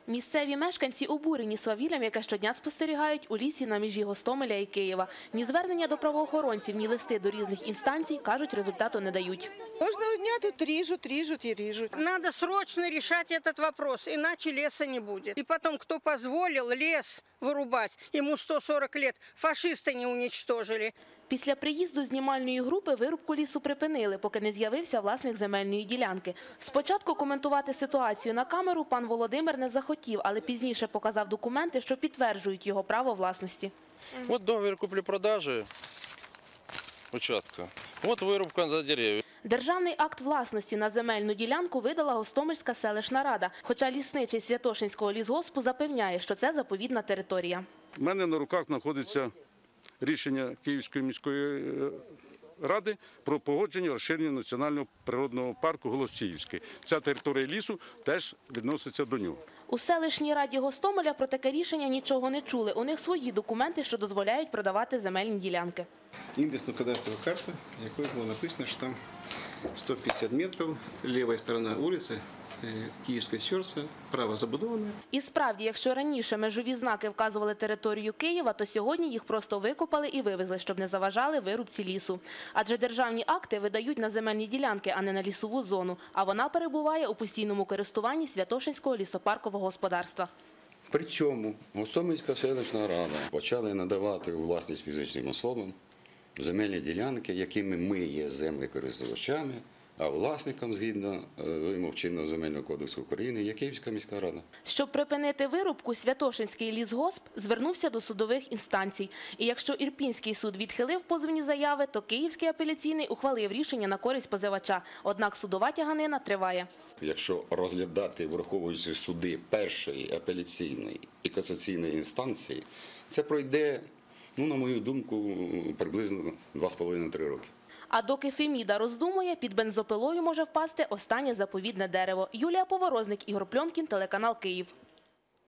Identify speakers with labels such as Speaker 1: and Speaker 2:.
Speaker 1: Місцеві мешканці обурені свавіллям, яке щодня спостерігають у лісі на межі Гостомеля і Києва. Ні звернення до правоохоронців, ні листи до різних інстанцій, кажуть, результату не дають.
Speaker 2: Кожного дня тут режут и режут.
Speaker 3: Надо срочно решать этот вопрос, иначе леса не будет. И потом, кто позволил лес вырубать, ему 140 лет, фашисты не уничтожили.
Speaker 1: Після приїзду знімальної групи вирубку лісу припинили, поки не з'явився власник земельної ділянки. Спочатку коментувати ситуацію на камеру пан Володимир не захотів, але пізніше показав документи, що підтверджують його право власності.
Speaker 4: От договір куплі-продажі участка, от вирубка за дерев'я.
Speaker 1: Державний акт власності на земельну ділянку видала Гостомельська селищна рада, хоча лісничий Святошинського лісгоспу запевняє, що це заповідна територія.
Speaker 5: У мене на руках знаходиться рішення Київської міської ради про погодження розширення національного природного парку Голосіївський. Ця територія лісу теж відноситься до нього.
Speaker 1: У селищній раді Гостомеля про таке рішення нічого не чули. У них свої документи, що дозволяють продавати земельні ділянки.
Speaker 6: Індексно-кадастрова карта, якою було написано, що там 150 метрів, ліва сторона вулиці, Київське серце, право забудоване.
Speaker 1: І справді, якщо раніше межові знаки вказували територію Києва, то сьогодні їх просто викопали і вивезли, щоб не заважали вирубці лісу. Адже державні акти видають на земельні ділянки, а не на лісову зону, а вона перебуває у постійному користуванні Святошинського лісопаркового господарства.
Speaker 7: При цьому Гостомельська селищна рада почала надавати у власність фізичним особам земельні ділянки, якими ми є землекористувачами, а власником, згідно вимог чинного земельного кодексу України, є Київська міська рада.
Speaker 1: Щоб припинити вирубку, Святошинський лісгосп звернувся до судових інстанцій. І якщо Ірпінський суд відхилив позовні заяви, то Київський апеляційний ухвалив рішення на користь позивача. Однак судова тяганина триває.
Speaker 7: Якщо розглядати, враховуючи суди першої, апеляційної і касаційної інстанції, це пройде, на мою думку, приблизно 2,5-3 роки.
Speaker 1: А доки Феміда роздумує, під бензопилою може впасти останнє заповідне дерево. Юлія Поворозник, Ігор Пльонкін, телеканал «Київ».